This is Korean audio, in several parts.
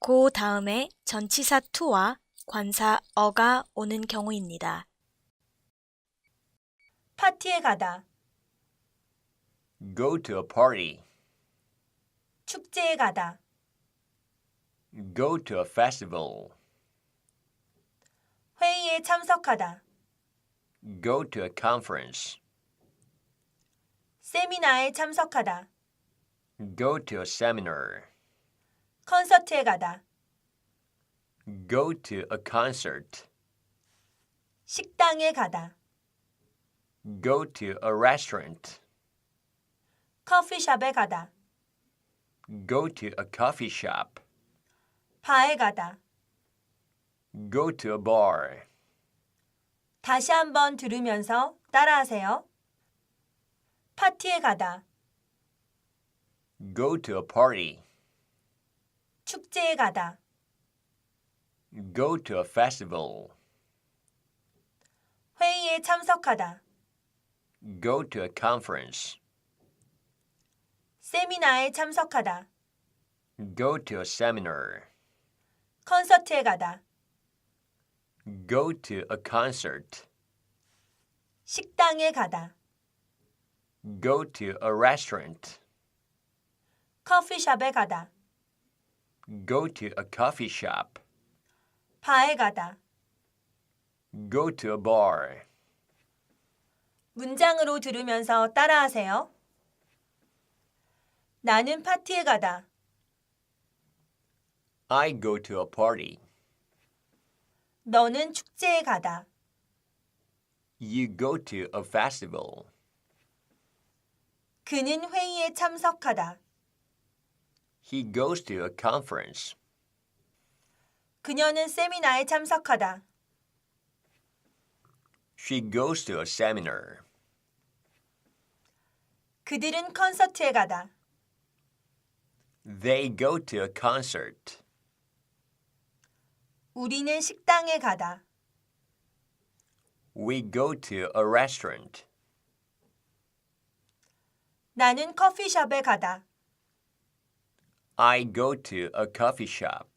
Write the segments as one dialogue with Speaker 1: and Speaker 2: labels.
Speaker 1: 그 다음에 전치사 to와 관사 어가 오는 경우입니다.
Speaker 2: 파티에 가다,
Speaker 3: Go to a party.
Speaker 2: 축제에 가다,
Speaker 3: Go to a festival.
Speaker 2: 회의에 참석하다,
Speaker 3: Go to a conference.
Speaker 2: 세미나에 참석하다,
Speaker 3: Go to a seminar.
Speaker 2: 콘서트에 가다,
Speaker 3: Go to a concert.
Speaker 2: 식당에 가다,
Speaker 3: Go to a restaurant.
Speaker 2: 커피숍에 가다,
Speaker 3: Go to a coffee shop.
Speaker 2: 바에 가다.
Speaker 3: Go to a bar.
Speaker 2: 다시 한번 들으면서 따라하세요. 파티에 가다,
Speaker 3: Go to a party.
Speaker 2: 축제에 가다,
Speaker 3: Go to a festival.
Speaker 2: 회의에 참석하다,
Speaker 3: Go to a conference.
Speaker 2: 세미나에 참석하다,
Speaker 3: Go to a seminar.
Speaker 2: 콘서트에 가다,
Speaker 3: Go to a concert.
Speaker 2: 식당에 가다,
Speaker 3: Go to a restaurant.
Speaker 2: 커피숍에 가다,
Speaker 3: Go to a coffee shop.
Speaker 2: 바에 가다.
Speaker 3: Go to a bar.
Speaker 2: 문장으로 들으면서 따라하세요. 나는 파티에 가다.
Speaker 3: I go to a party.
Speaker 2: 너는 축제에 가다.
Speaker 3: You go to a festival.
Speaker 2: 그는 회의에 참석하다.
Speaker 3: He goes to a conference.
Speaker 2: 그녀는 세미나에 참석하다.
Speaker 3: She goes to a seminar.
Speaker 2: 그들은 콘서트에 가다.
Speaker 3: They go to a concert.
Speaker 2: 우리는 식당에 가다.
Speaker 3: We go to a restaurant.
Speaker 2: 나는 커피숍에 가다.
Speaker 3: I go to a coffee shop.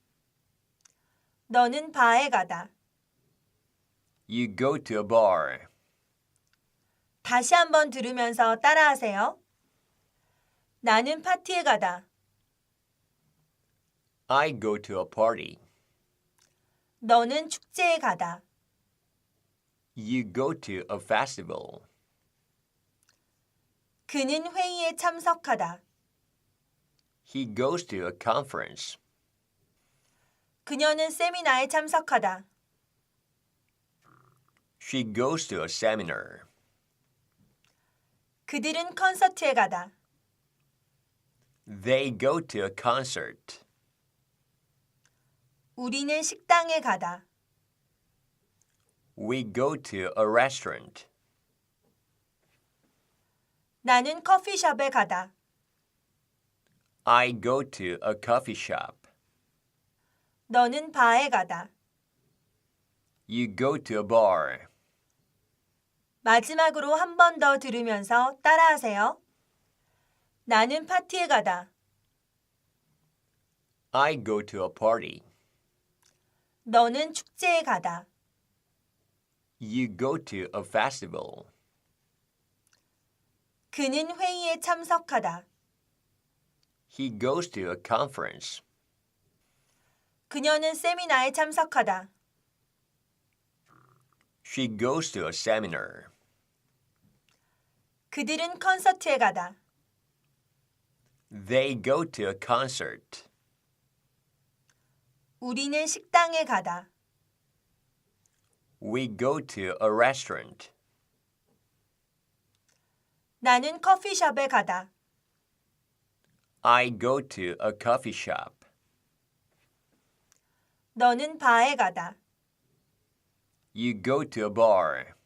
Speaker 2: 너는 바에 가다.
Speaker 3: You go to a bar.
Speaker 2: 다시 한번 들으면서 따라하세요. 나는 파티에 가다.
Speaker 3: I go to a party.
Speaker 2: 너는 축제에 가다.
Speaker 3: You go to a festival.
Speaker 2: 그는 회의에 참석하다.
Speaker 3: He goes to a conference.
Speaker 2: 그녀는 세미나에 참석하다.
Speaker 3: She goes to a seminar.
Speaker 2: 그들은 콘서트에 가다.
Speaker 3: They go to a concert.
Speaker 2: 우리는 식당에 가다.
Speaker 3: We go to a restaurant.
Speaker 2: 나는 커피숍에 가다.
Speaker 3: I go to a coffee shop.
Speaker 2: 너는 바에 가다.
Speaker 3: You go to a bar.
Speaker 2: 마지막으로 한 번 더 들으면서 따라하세요. 나는 파티에 가다.
Speaker 3: I go to a party.
Speaker 2: 너는 축제에 가다.
Speaker 3: You go to a festival.
Speaker 2: 그는 회의에 참석하다.
Speaker 3: He goes to a conference.
Speaker 2: 그녀는 세미나에 참석하다.
Speaker 3: She goes to a seminar.
Speaker 2: 그들은 콘서트에 가다.
Speaker 3: They go to a concert.
Speaker 2: 우리는 식당에 가다.
Speaker 3: We go to a restaurant.
Speaker 2: 나는 커피숍에 가다.
Speaker 3: I go to a coffee shop.
Speaker 2: 너는 바에 가다.
Speaker 3: You go to a bar.